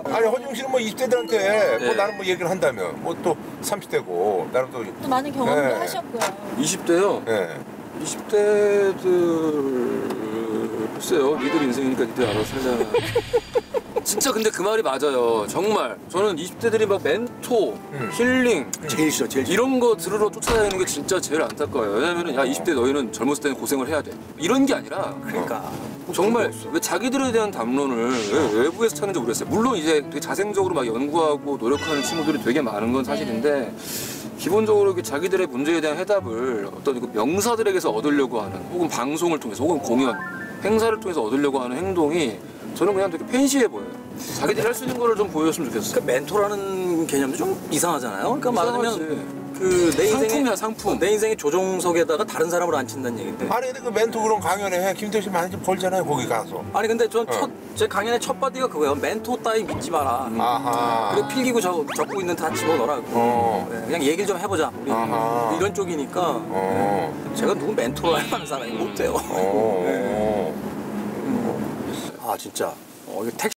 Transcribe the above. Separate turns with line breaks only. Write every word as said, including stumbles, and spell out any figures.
아니 허중 씨는 뭐 이십 대들한테 뭐
네.
나는 뭐 얘기를 한다면 뭐 또 삼십 대고 나는 또
또 많은 경험도
네.
하셨고요.
이십 대요?
예.
이십 대들 글쎄요. 니들 인생이니까 니들 알아서 살자. 진짜 근데 그 말이 맞아요. 정말 저는 이십 대들이 막 멘토,
음.
힐링
제일 싫어, 제일 싫어.
이런 거 들으러 쫓아다니는 게 진짜 제일 안타까워요. 왜냐면은 야 이십 대 너희는 젊었을 때는 고생을 해야 돼. 이런 게 아니라
그러니까.
정말 왜 자기들에 대한 담론을 왜 외부에서 찾는지 모르겠어요. 물론 이제 되게 자생적으로 막 연구하고 노력하는 친구들이 되게 많은 건 사실인데 기본적으로 이렇게 자기들의 문제에 대한 해답을 어떤 그 명사들에게서 얻으려고 하는 혹은 방송을 통해서 혹은 공연, 행사를 통해서 얻으려고 하는 행동이 저는 그냥 되게 팬시해 보여요. 자기들이 할 수 있는 거를 좀 보여줬으면 좋겠어요.
그 멘토라는 개념도 좀 이상하잖아요. 그러니까 말하자면 그 내 인생의
상품이야, 상품.
내 인생의 조종석에다가 다른 사람을 앉힌다는 얘긴데.
아니 근데 그 멘토 그런 강연에 김태우 씨 많이 좀 벌잖아요 거기 가서.
아니 근데 전
어.
첫 제 강연의 첫 바디가 그거예요. 멘토 따위 믿지 마라.
아하.
그리고 필기고 적, 적고 있는 다 집어넣어라.
어.
네, 그냥 얘기를 좀 해보자. 우리
아하.
이런 쪽이니까
어.
제가 누구 멘토로 할 만한 사람이 못 돼요.
어.
아 진짜. 어, 이거 택시